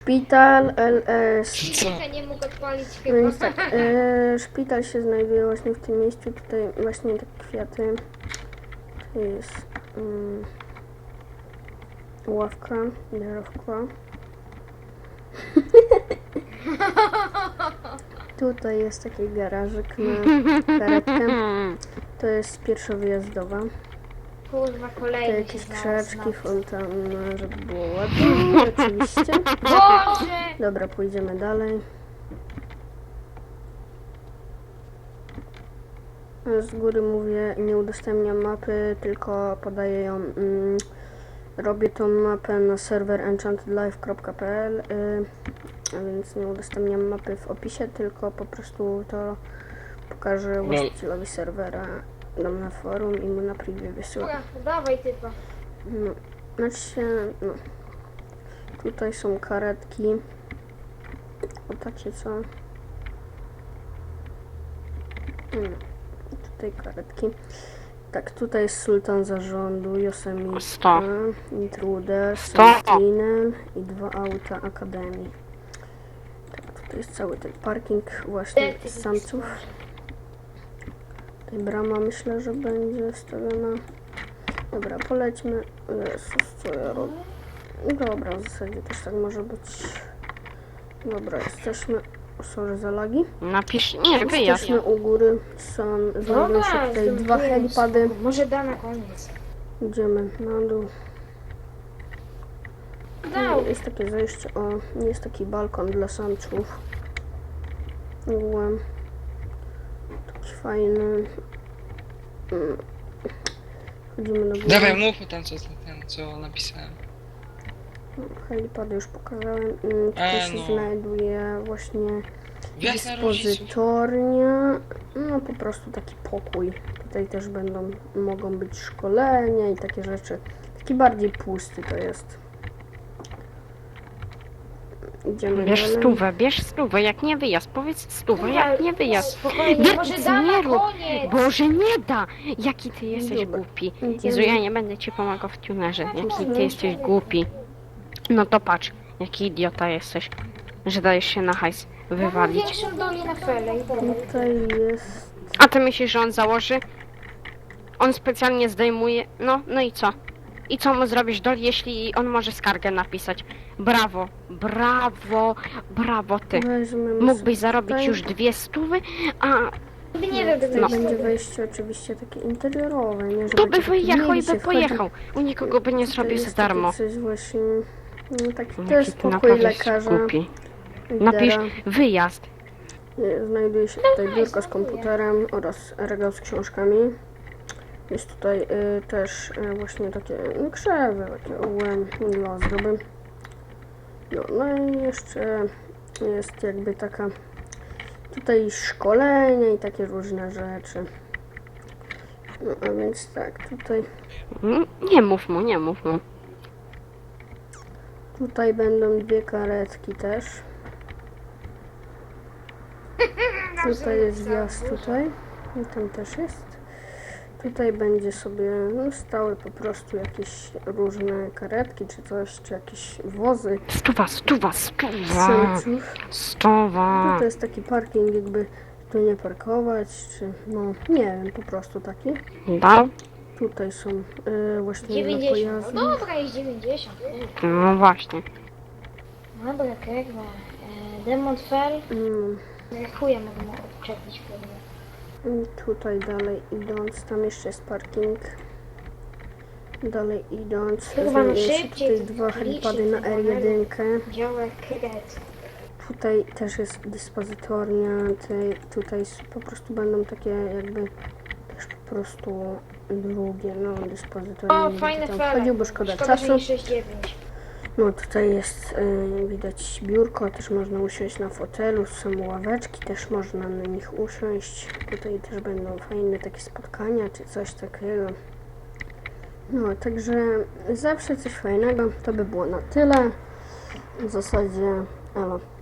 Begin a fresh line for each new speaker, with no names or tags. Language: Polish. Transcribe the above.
Szpital LS.
Co?
Nie mógł odpalić
No
chyba.
więc tak, szpital się znajduje właśnie w tym miejscu, tutaj właśnie te kwiaty. Tu jest ławka, drzewka. Tutaj jest taki garażyk na karetkę. To jest pierwszowyjazdowa.
Kurwa,
To
kolejny
jakieś
się znalazł.
krzaczki, fontanna, żeby było ładnie, oczywiście.
Boże!
Dobra, pójdziemy dalej. Z góry mówię, nie udostępniam mapy, tylko podaję ją. Robię tą mapę na serwer enchantedlife.pl, a więc nie udostępniam mapy w opisie, tylko po prostu to pokażę właścicielowi serwera, dam na forum i mu na preview wysyłam.
Dobra, dawaj typa.
No, znaczy się, no. Tutaj są karetki. O takie co? Tutaj karetki. Tak, tutaj jest sultan zarządu, Yosemite,
100.
Intruder,
100.
Sentinel i 2 auta Akademii. Tak, tutaj jest cały ten parking właśnie samców. Tutaj brama myślę, że będzie wstawiona. Dobra, polećmy. Jezus, co ja robię? Dobra, w zasadzie też tak może być. Dobra, jesteśmy. Sorry za lagi.
Napisz, nie, wyjaśnij.
Jesteśmy u góry. Znajdują się tutaj 2 helipady.
Może da na koniec.
Idziemy na dół.
Dał.
Jest takie zejście, jest taki balkon dla samców. Ogółem. Taki fajny. Chodzimy do góry.
Dawaj, mów tam co napisałem.
Helipady już pokazałem. Tutaj się
no.
znajduje właśnie
Jasna różnica.
dyspozytornia. No po prostu taki pokój. Tutaj też mogą być szkolenia i takie rzeczy. Taki bardziej pusty to jest. Idziemy
Bierz stówę, jak nie wyjazd, powiedz stówę, jak nie wyjazd.
Spokojnie, może da
nie
na
rób.
koniec.
Boże, nie da! Jaki ty jesteś
Dobra.
głupi.
Idziemy.
Jezu, ja nie będę ci pomagał w tunerze. Jaki ty jesteś głupi. No to patrz, jaki idiota jesteś, że dajesz się na hajs
Mam
wywalić.
większą dolinę fele i dobra.
Tutaj jest.
A ty myślisz, że on założy? On specjalnie zdejmuje. No i co? I co mu zrobisz, Dol, jeśli on może skargę napisać? Brawo, brawo, brawo ty.
Weźmiemy
Mógłbyś
sobie
zarobić
tutaj.
już 2 stówy, a
Nie wiem,
Tutaj
No.
będzie wejście oczywiście takie interiorowe, nie? Że
to by
będzie taki
wyjechał i
mieli się
by
wchodzi.
pojechał. U nikogo by nie
Tutaj
zrobił za
jest
darmo.
takie coś właśnie. No taki
Jaki
też
ty
pokój
naprawdę jesteś
lekarza.
głupi. Napisz wyjazd.
Znajduje się tutaj biurko z komputerem oraz regał z książkami. Jest tutaj też właśnie takie krzewy, takie ogółem dla ozdoby. No i jeszcze jest jakby taka tutaj szkolenia i takie różne rzeczy. No a więc tak,
Nie mów mu, nie mów mu.
tutaj będą 2 karetki też. Tutaj jest wjazd tutaj. I tam też jest. Tutaj będzie sobie stały po prostu jakieś różne karetki czy coś, czy jakieś wozy
Stuwa.
samców.
Stuwa.
To jest taki parking, jakby tu nie parkować, czy no nie wiem, po prostu taki.
Dał?
Tutaj są właśnie dla
90.
pojazdów.
No dobra, jest 90.
No właśnie.
Dobra, kurwa. Demon Fell.
Mm,
Chuja mogę mu odczepić, kurwa.
Tutaj dalej idąc, tam jeszcze jest parking. Dalej idąc,
Chyba
znajdują się
szybciej,
tutaj 2
to
helipady na
liczy,
R1.
Działek kret.
Tutaj też jest dyspozytornia, tutaj po prostu będą takie jakby też po prostu drugie, no dyspozytornie.
O,
nie
fajne
będę tam
fele.
wchodził, bo szkoda
Szkoda,
czasu.
że nie 6,9.
No tutaj jest, widać biurko, też można usiąść na fotelu, są ławeczki, też można na nich usiąść. Tutaj też będą fajne takie spotkania, czy coś takiego. No, także zawsze coś fajnego, to by było na tyle. W zasadzie, elo.